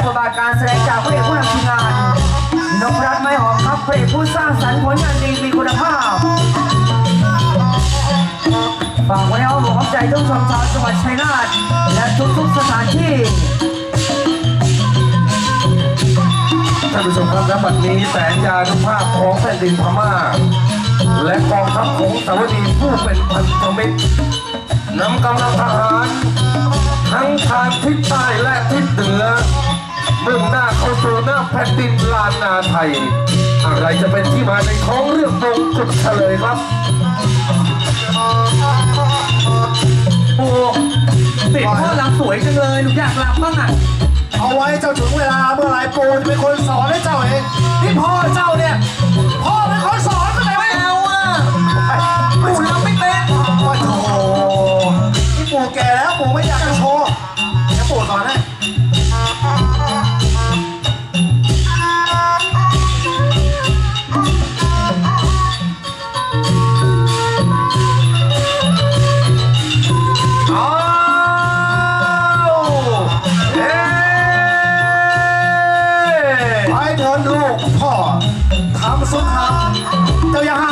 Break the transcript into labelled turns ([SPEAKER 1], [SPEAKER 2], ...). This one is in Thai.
[SPEAKER 1] บทบาทการแสดงจากพระเอกผู้นำทีมงานนพรัตน์ไม้หอมครับพระเอกผู้สร้างสรรค์ผลงานดีมีคุณภาพฝากไว้ในอ้อมอกอ้อมใจทุกชมชาวจังหวัดชัยนาทและทุกๆสถานที่
[SPEAKER 2] ท่านผู้ชมครับณบัดนี้แสงยานุภาพของแผ่นดินพม่าและกองทัพของสาวดีผู้เป็นพันธมิตรนำกำลังทหารทั้งทางทิศใต้และทิศเหนือมุ่งหน้าเข้าสู่หน้าแผ่นดินลานนาไทยอะไรจะเป็นที่มาในท้องเรื่องมงกุฎเฉลยครับ
[SPEAKER 1] โอ้เด็กพ่อรำสวยจังเลยหนูอยากรำบ้างอ่ะ
[SPEAKER 3] เอาไว้เจ้าถึงเวลาเมื่อไรปู่จะเป็นคนสอนให้เจ้าเองนี่พ่อเจ้าเนี่ยพ่อเป็นคนสอนไม่เอาอ่ะปู่ทำไม่เป็นโอ้โหนี่ปู่แก่แล้วปู่ไม่อยากจะโชว์เดี๋ยวปู่สอนให้ลูกพ่อทำสุดทางเจ้าอย่าหา